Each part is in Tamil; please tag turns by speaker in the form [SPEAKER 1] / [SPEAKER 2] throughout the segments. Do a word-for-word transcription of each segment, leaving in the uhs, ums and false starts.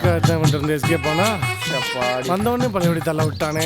[SPEAKER 1] இருந்து எஸ்கே போனா வந்தவொடனே பழையபடி தள்ள விட்டானே.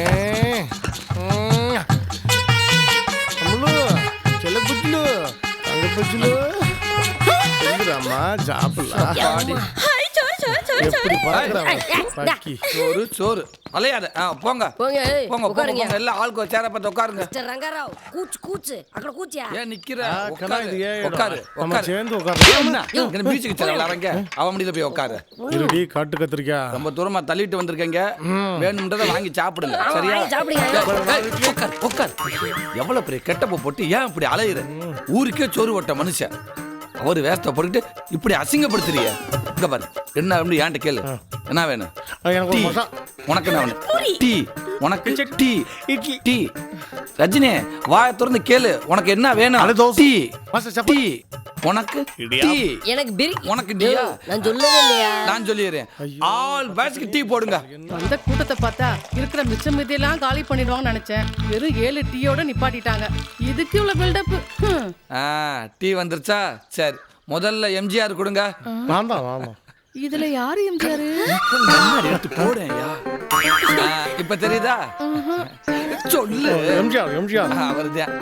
[SPEAKER 1] செல்ல புச்சுலு தங்க புச்சுலு அம்மா சாப்பிடலாம். எப்படி பாக்குறாங்க
[SPEAKER 2] சோறு சோறு அலையாத. போங்க போங்க போங்க எல்லாம் ஆளுக்கு சேர பார்த்து உட்காருங்க.
[SPEAKER 3] ரங்கராவ் கூச்சு கூச்சு அக்கட கூச்சியா
[SPEAKER 2] ஏன் நிக்கிற?
[SPEAKER 1] உட்காரு
[SPEAKER 2] உட்காரு
[SPEAKER 1] நம்ம சேர்ந்து உட்காரு.
[SPEAKER 2] மியூசிக் சேனல் விளையாடுங்க. அவன் முடியல போய் உட்காரு.
[SPEAKER 1] இருடி காட்டு கத்திரிக்கா
[SPEAKER 2] ரொம்ப தூரமா தள்ளிட்டு வந்திருக்கீங்க. வேணும்ன்றதை வாங்கி சாப்பிடுங்க. சரியா? உட்காரு உட்காரு. எவ்வளவு பெரிய கெட்டப்ப போட்டு ஏன் இப்படி அலையுற? ஊருக்கே சோறு ஓட்ட மனுஷன் அவரு வேஸ்ட போட்டுட்டு இப்படி அசிங்கப்படுத்துறிய. இங்க பாரு என்ன அப்படி ஏன்ட்ட கேளு. என்ன வேணும்? உனக்கு என்ன வேணும்? டீ. உனக்கு டீ இட்லி டீ. ரஜினி வாய திறந்து கேளு. உனக்கு என்ன வேணும்? Tea tea. உனக்கு டீ.
[SPEAKER 3] எனக்கு பிரி.
[SPEAKER 2] உனக்கு டீயா?
[SPEAKER 3] நான் சொல்லவே இல்லையா?
[SPEAKER 2] நான் சொல்லிறேன். ஆல் பாய்ஸ்க்கு டீ போடுங்க.
[SPEAKER 4] அந்த கூட்டத்தை பார்த்தா இருக்கிற மிச்சம் மீதியெல்லாம் காலி பண்ணிடுவாங்கன்னு நினைச்சேன். வெறும் ஏழு டீயோட நிப்பாட்டிட்டாங்க. இதுக்கு இவ்வளவு பில்டப்.
[SPEAKER 2] ஆ டீ வந்துருச்சா? சரி முதல்ல எம்ஜிஆர் கொடுங்க.
[SPEAKER 1] வாந்தான் வாந்தான்.
[SPEAKER 4] இதுல யாரு எம்ஜிஆர்?
[SPEAKER 2] எடுத்து போடுயா. இப்ப தெரியுதா? சொல்லு.
[SPEAKER 1] எம்ஜிஆர் எம்ஜிஆர்
[SPEAKER 2] அவர்தான்.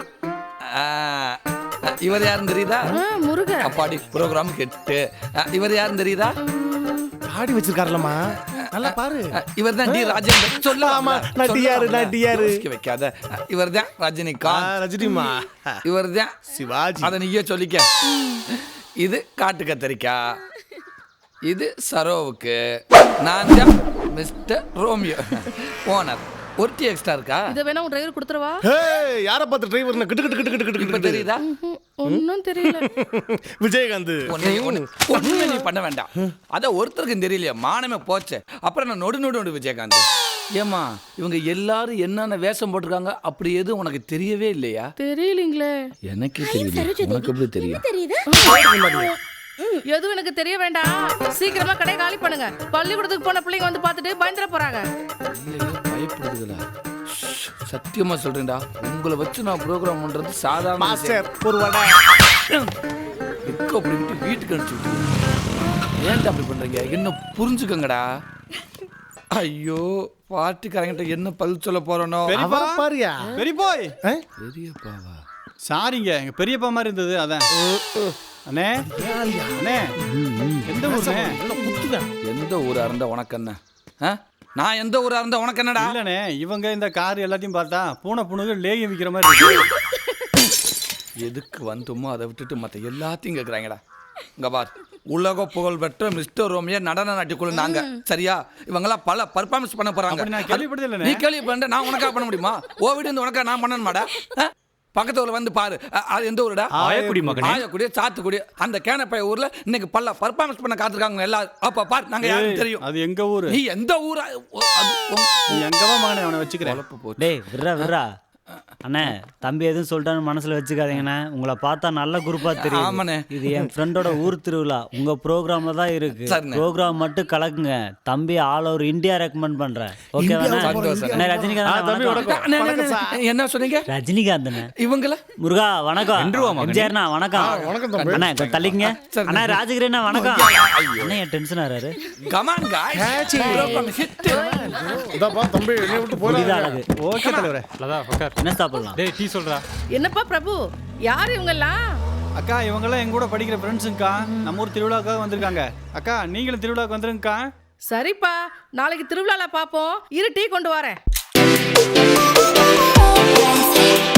[SPEAKER 2] இவர் யாருன்னு தெரியுதா?
[SPEAKER 4] முருக.
[SPEAKER 2] அப்பாடி ப்ரோக்ராம் கெட்டு. இவர் யாருன்னு தெரியுதா?
[SPEAKER 1] ஆடி வச்சிருக்காருலமா நல்லா பாரு.
[SPEAKER 2] இவர் தான் டி ராஜேந்திரன். சொல்லாமா
[SPEAKER 1] நான் டிஆர் நான் டிஆர்
[SPEAKER 2] வைக்காத. இவர் தான் ரஜினிகாந்த்.
[SPEAKER 1] ரஜினிமா.
[SPEAKER 2] இவர் தான்
[SPEAKER 1] சிவாஜி.
[SPEAKER 2] அத நீயே சொல்லிக்க. இது காட்டு கத்தரிக்காய். இது சரோவுக்கு. நான் தான் மிஸ்டர் ரோமியோ ஓனர். ஒரு டீ எக்ஸ்ட்ரா இருக்கா?
[SPEAKER 4] இத வேணா உன் டிரைவர் கொடுத்துறவா?
[SPEAKER 1] ஏய் யார பார்த்து டிரைவர்ன கிட்டு கிட்டு கிட்டு கிட்டு
[SPEAKER 2] இப்ப தெரியுதா?
[SPEAKER 4] ஒண்ணும் தெரியல.
[SPEAKER 1] விஜயகாந்த்.
[SPEAKER 2] ஒண்ணே ஒண்ணு ஒண்ணு நீ பண்ண வேண்டாம். அத ஒருத்தருக்கு தெரியலையா? மானமே போச்சு. அப்புறம் நான் நொடு நொடு நொடு விஜயகாந்த். ஏமா இவங்க எல்லாரும் என்னென்ன வேஷம் போட்டிருக்காங்க அப்படி எதுவும் உனக்கு தெரியவே இல்லையா?
[SPEAKER 4] தெரியலீங்களே.
[SPEAKER 2] எனக்கே தெரியல. உனக்கு எப்படி தெரியும்?
[SPEAKER 4] எதுவும் எனக்கு தெரிய வேண்டாம். சீக்கிரமா கடை காலி பண்ணுங்க. பள்ளிக்கூடத்துக்கு போன பிள்ளைங்க வந்து பார்த்துட்டு பயந்துட போறாங்க.
[SPEAKER 2] பயப்படுதுல. சத்தியமா சொல்றேன்டா உங்களை வச்சு நான் ப்ரோக்ராம் பண்றது சாதாரண
[SPEAKER 1] மாஸ்டர் ஒரு வடை
[SPEAKER 2] எக்க அப்படி விட்டு வீட்டுக்கு அனுப்பிச்சு ஏன்டா அப்படி பண்றீங்க? என்ன புரிஞ்சுக்கங்கடா. ஐயோ பாட்டுக்காரங்கிட்ட என்ன பதில் சொல்ல போறனோ.
[SPEAKER 1] பாரியா
[SPEAKER 5] பெரியப்போய்.
[SPEAKER 2] பெரியப்பாவா?
[SPEAKER 5] சாரிங்க எங்க பெரியப்பா மாதிரி இருந்தது அதான். அண்ணே அண்ணே எந்த ஊருண்ணே?
[SPEAKER 2] எந்த ஊரா இருந்தா உனக்கு என்ன? நான் எந்த ஊரா இருந்தா உனக்கு என்னடா?
[SPEAKER 5] இல்லண்ணே இவங்க இந்த கார் எல்லாத்தையும் பார்த்தா பூனை புணுகு லேகியம் விற்கிற மாதிரி இருக்கு.
[SPEAKER 2] எதுக்கு வந்தோமோ அதை விட்டுட்டு மற்ற எல்லாத்தையும் கேட்குறாங்கடா. இங்க பார் உலக புகழ் பெற்ற மிஸ்டர் ரோமியோ நடன நாட்டிக்குள்ள நாங்க. சரியா? இவங்கெல்லாம் பல பர்ஃபார்மன்ஸ் பண்ண போறாங்க.
[SPEAKER 5] நான் கேள்விப்பட்டதில்லை.
[SPEAKER 2] நீ கேள்விப்பட்ட நான் உனக்கா பண்ண முடியுமா? ஓ வீடு இந்த உனக்கா நான் பண்ணணுமாடா? பக்கத்து ஊர்ல வந்து பாரு. அது எந்த ஊருடா?
[SPEAKER 5] ஆயக்குடி மகனே.
[SPEAKER 2] ஆயக்குடி சாத்துக்குடி. அந்த கேனப்பைய ஊர்ல இன்னைக்கு பல்ல பர்ஃபார்மன்ஸ் பண்ண காத்திருக்காங்க எல்லாரும். அப்ப பாரு நாங்க யாரும் தெரியும்.
[SPEAKER 5] அது எங்க ஊரு?
[SPEAKER 2] நீ எந்த ஊரா?
[SPEAKER 5] நீ எங்கவா மகனே அவனை வச்சுக்கிறேன்.
[SPEAKER 6] டேய் விர்ரா விர்ரா. அண்ணே தம்பி எதுவும் சொல்லிட்டான்னு மனசுல வச்சுக்காதீங்கண்ணே. உங்களை பார்த்தா நல்ல குரூப்பா தெரியும். இது என் ஃப்ரெண்டோட ஊர் திருவிழா. உங்க ப்ரோக்ராம்ல தான் இருக்கு. ப்ரோக்ராம் மட்டும் கலக்குங்க. தம்பி ஆல் ஓவர் இந்தியா ரெக்கமெண்ட் பண்றேன். ஓகேவா? ரஜினிகாந்த்.
[SPEAKER 2] என்ன சொன்னீங்க?
[SPEAKER 6] ரஜினிகாந்த்
[SPEAKER 2] இவங்கள
[SPEAKER 6] முருகா வணக்கம். எம்ஜிஆர்ண்ணா வணக்கம். அண்ணா தள்ளிங்க. அண்ணா ராஜகிரண்ணா வணக்கம். அண்ணா என் டென்ஷன் ஆறாரு.
[SPEAKER 2] Come on guys program hit.
[SPEAKER 1] இதப்பா தம்பி என்னை விட்டு போறாரு.
[SPEAKER 5] ஓகே தலைவரே. லதா உட்கார்.
[SPEAKER 6] என்ன சாப்பிடலாம்?
[SPEAKER 5] டேய் டீ சொல்றா.
[SPEAKER 4] என்னப்பா பிரபு யார் இவங்கெல்லாம்?
[SPEAKER 5] அக்கா இவங்கெல்லாம் எங்க கூட படிக்கிற ஃப்ரெண்ட்ஸுங்கக்கா. நம்ம ஊர் திருவிழாவுக்காக வந்திருக்காங்க. அக்கா நீங்களும் திருவிழாவுக்கு வந்துருங்கக்கா.
[SPEAKER 4] சரிப்பா நாளைக்கு திருவிழால பாப்போம். இரு டீ கொண்டு வரேன்.